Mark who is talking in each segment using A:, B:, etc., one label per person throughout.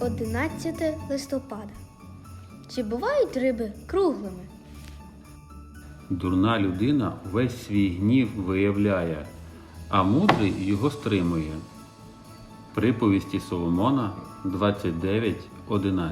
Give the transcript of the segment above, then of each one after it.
A: 11 листопада. Чи бувають риби круглими?
B: Дурна людина весь свій гнів виявляє, а мудрий його стримує. Приповісті Соломона 29:11.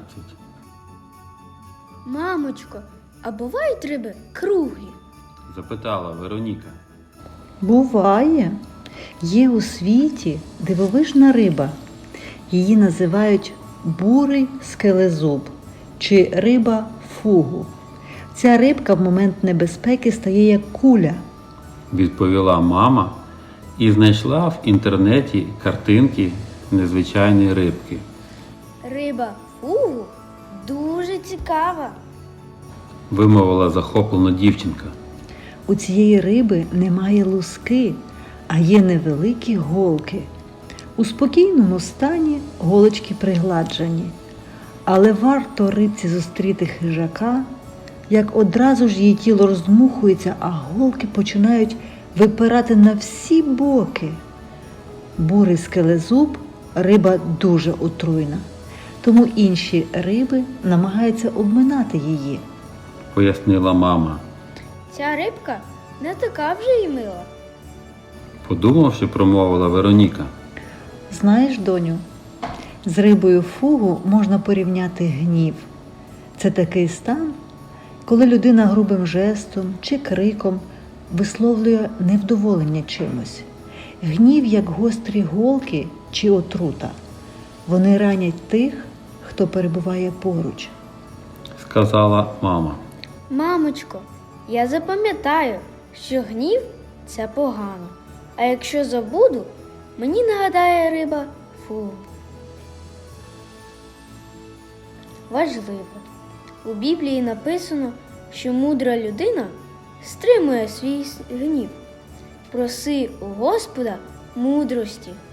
A: Мамочко, а бувають риби круглі?
B: Запитала Вероніка.
C: Буває. Є у світі дивовижна риба. Її називають бурий скелезуб чи риба фугу. Ця рибка в момент небезпеки стає як куля.
B: Відповіла мама і знайшла в інтернеті картинки незвичайної рибки.
A: Риба фугу дуже цікава.
B: Вимовила захоплено дівчинка.
C: У цієї риби немає луски, а є невеликі голки. У спокійному стані голочки пригладжені. Але варто рибці зустріти хижака, як одразу ж її тіло роздмухується, а голки починають випирати на всі боки. Бурий скелезуб – риба дуже отруйна, тому інші риби намагаються обминати її.
B: Пояснила мама.
A: Ця рибка не така вже й мила.
B: Подумавши, промовила Вероніка.
C: Знаєш, доню, з рибою фугу можна порівняти гнів. Це такий стан, коли людина грубим жестом чи криком висловлює невдоволення чимось. Гнів, як гострі голки чи отрута. Вони ранять тих, хто перебуває поруч.
B: Сказала мама.
A: Мамочко, я запам'ятаю, що гнів – це погано. А якщо забуду, мені нагадає риба фугу. Важливо. У Біблії написано, що мудра людина стримує свій гнів. Проси у Господа мудрості.